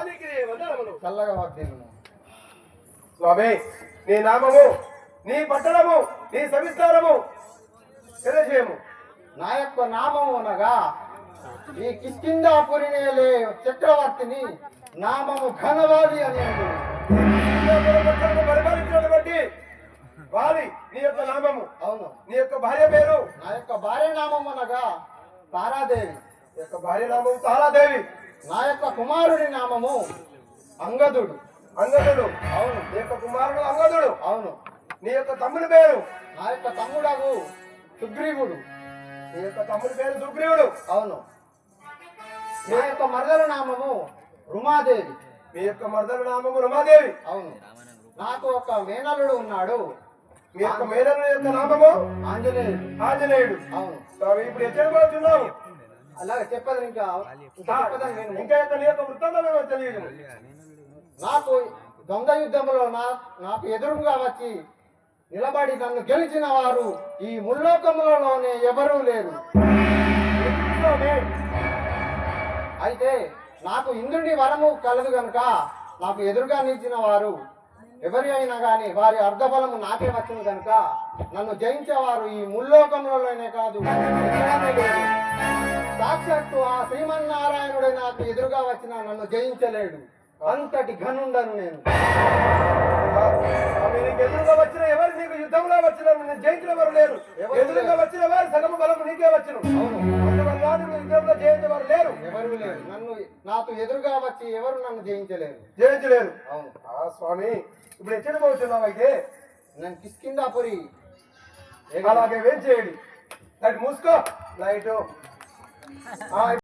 చల్లగా వర్ధిల్లును. స్వామి, నీ నామము, నీ పట్టణము, నీ సవిస్తారము తెలియజేయము. నా యొక్క నామము అనగా ఈ కిష్కిందాపురి నేలే చక్రవర్తిని నామము ఘనవాలి అని పరిపాలించినటువంటి వారి నీ యొక్క నామము. అవును. నీ యొక్క భార్య పేరు? నా యొక్క భార్య నామం అనగా తారాదేవి. నీ యొక్క భార్య నామము తారాదేవి. నా యొక్క కుమారుడి నామము అంగదుడు. అంగదుడు? అవును. నీ యొక్క కుమారుడు అంగదుడు? అవును. నీ యొక్క తమ్ముడి పేరు? నా యొక్క తమ్ముడగు సుగ్రీవుడు. నీ యొక్క తమ్ముడి పేరు సుగ్రీవుడు? అవును. నా యొక్క మరదల నామము రుమాదేవి. మీ యొక్క మరదల నామము రమాదేవి? అవును. నాకు ఒక మేనల్లుడు ఉన్నాడు. మీ యొక్క మేనల్లుడి యొక్క నామము ఆంజనేయుడు. ఆంజనేయుడు? అవును. ఇప్పుడు ఎక్కడ పోతున్నావు? అలాగే చెప్పదు ఇంకా ఇంకా నీ యొక్క వృత్తాంతమేమో తెలియదు. నాకు దొంగ యుద్ధంలో నాకు ఎదురుగా వచ్చి నిలబడి నన్ను గెలిచిన వారు ఈ ముల్లోకములలోనే ఎవరూ లేరు. అయితే నాకు ఇంద్రుని వరము కలదు గనుక నాకు ఎదురుగా నిలిచిన వారు ఎవరి అయినా కానీ వారి అర్ధబలము నాకే వచ్చింది కనుక నన్ను జయించేవారు ఈ ముల్లోకంలోనే కాదు ఎక్కడనే లేరు. సాక్షాత్తు ఆ శ్రీమన్నారాయణుడే నాకు ఎదురుగా వచ్చిన నన్ను జయించలేడు. అంతటి ఘనుండను నేను. ఎదురుగా వచ్చిన ఎవరు నీకు యుద్ధంలో వచ్చిన జయించిన వారు లేరు. ఎదురుగా వచ్చిన వారు సగము బలము నీకే వచ్చును. యుద్ధంలో జయించే వారు లేరు. ఎవరు లేరు. నాకు ఎదురుగా వచ్చి ఎవరు నన్ను జయించలేరు. జయించలేరు. అవును. స్వామి, ఇప్పుడు ఎక్కడ పోతున్నావు? అయితే నేను కిష్కిందాపురి. అలాగే వేం చేయండి. లైట్ మూసుకో. లైట్